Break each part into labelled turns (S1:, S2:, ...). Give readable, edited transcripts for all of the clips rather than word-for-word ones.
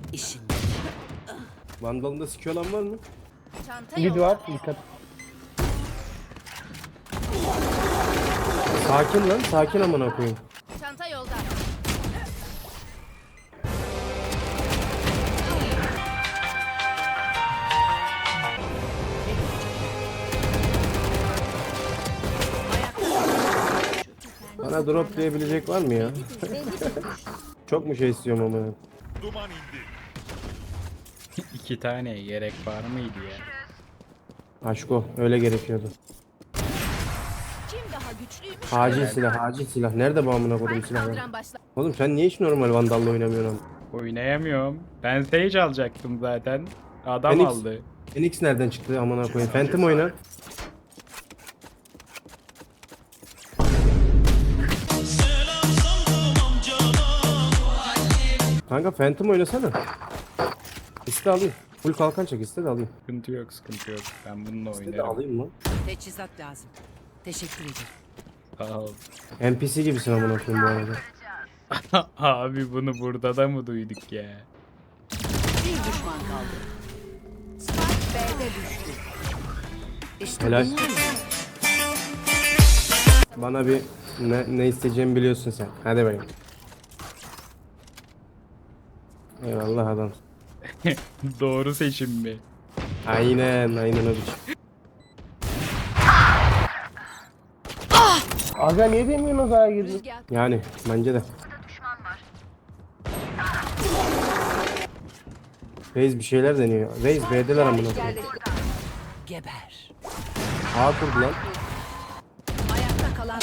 S1: İşin.
S2: Vandal'ında sikiyor olan var mı?
S3: Çanta
S4: Mid
S3: yolda.
S4: var dikkat.
S2: Sakin lan, sakin amına koyayım.
S3: Çanta yolda.
S2: Bana drop diyebilecek var mı ya? Çok mu şey istiyorum amına?
S5: Duman indi.
S6: 2 tane gerek var mıydı ya?
S2: Aşko, öyle gerekiyordu.
S3: Kim daha güçlüymüş?
S2: Acil silah, acil silah. Nerede bu amına koyayım silahlar?
S3: Kaldıran başla.
S2: Oğlum sen niye hiç normal Vandal'la oynamıyorsun?
S6: Oynayamıyorum. Ben Sage alacaktım zaten. Adam
S2: Phoenix.
S6: aldı.
S2: Phoenix nereden çıktı amına koyayım? Phantom oyna. Kanka Phantom oynasana. İste alayım. Full kalkan çek, iste de alayım.
S6: Sıkıntı yok, sıkıntı yok. Ben bununla
S2: İste de
S6: oynarım.
S2: alayım lan.
S1: Teçhizat lazım. Teşekkür ederim.
S6: Sağ ol.
S2: NPC gibisin amına koyayım bu arada.
S6: Abi bunu burada da mı duyduk ya?
S1: Bir düşman kaldı. Spike B'de düştü. İşte
S2: Helal.
S1: bunlar mı?
S2: Bana bir ne isteyeceğimi biliyorsun sen. Hadi bakayım. Eyvallah adam.
S6: Doğru seçim mi?
S2: Aynen o biçim.
S4: Aga niye demiyorsunuz A'ya girdin?
S3: Rüzgar.
S2: Yani bence de. Reis bir şeyler deniyor. Reis B'deler amına koyayım.
S1: Geber.
S2: A kurdu lan.
S1: Ayakta kalan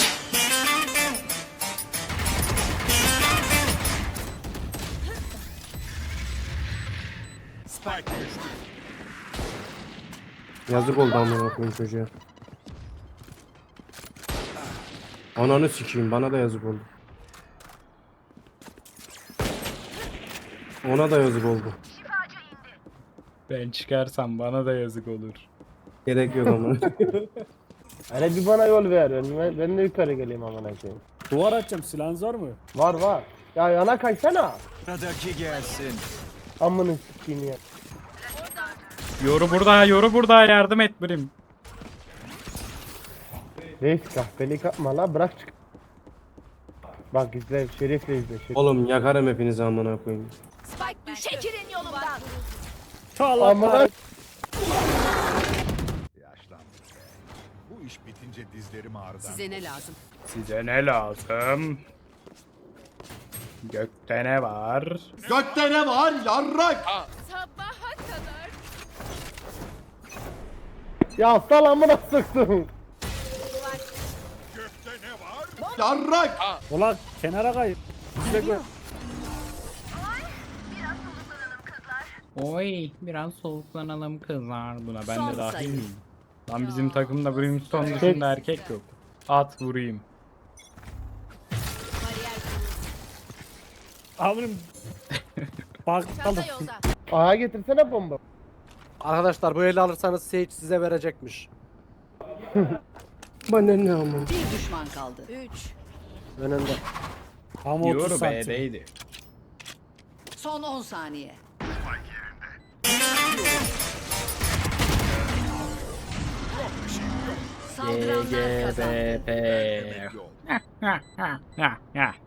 S5: Spike düştü.
S2: Yazık oldu amına koyayım çocuğa. Ananı sikeyim, bana da yazık oldu. Ona da yazık oldu.
S6: Ben çıkarsam bana da yazık olur.
S2: Gerek yok amına.
S4: Hele bir bana yol ver. Ben de yukarı geleyim amına koyayım.
S7: Duvar açacağım, silahınız var mı?
S4: Var. Ya yana kaçsana.
S5: Sıradaki gelsin.
S4: Amına sikeyim ya.
S6: Yoru burada yardım et birim.
S4: Reis kahpelik yapma la bırak çık. Bak izle şerifle izle. Şerif.
S2: Oğlum yakarım hepinizi amına koyayım.
S3: Spike düş. Çekilin yolumdan.
S7: Allah
S4: Amına
S5: Yaşlandım. Bu iş bitince dizlerim ağrıdan.
S1: size ne lazım?
S6: Size ne lazım? Gökte ne var?
S5: Gökte ne var yarrak?
S3: Sabaha kadar.
S4: ya sal amına sıktım.
S5: Gökte ne var? Yarrak.
S7: Ulan kenara kay. Bekle.
S6: Oy biraz soluklanalım kızlar. Buna ben
S1: Son
S6: de dahil
S1: sayı.
S6: miyim? Lan bizim takımda Brimstone dışında erkek yok. At vurayım.
S7: Amirim. Bak kaldım.
S3: Çanta yolda.
S4: A'ya getirsene bomba.
S8: Arkadaşlar bu eli alırsanız Sage size verecekmiş.
S2: Bana ne amına.
S1: Bir düşman kaldı.
S3: 3.
S8: Önünde.
S7: Ama 30
S6: Yoru
S7: santim.
S6: B'deydi.
S1: Son 10 saniye. Saldıranlar kazandı.
S6: GGBP.
S5: Demek yok.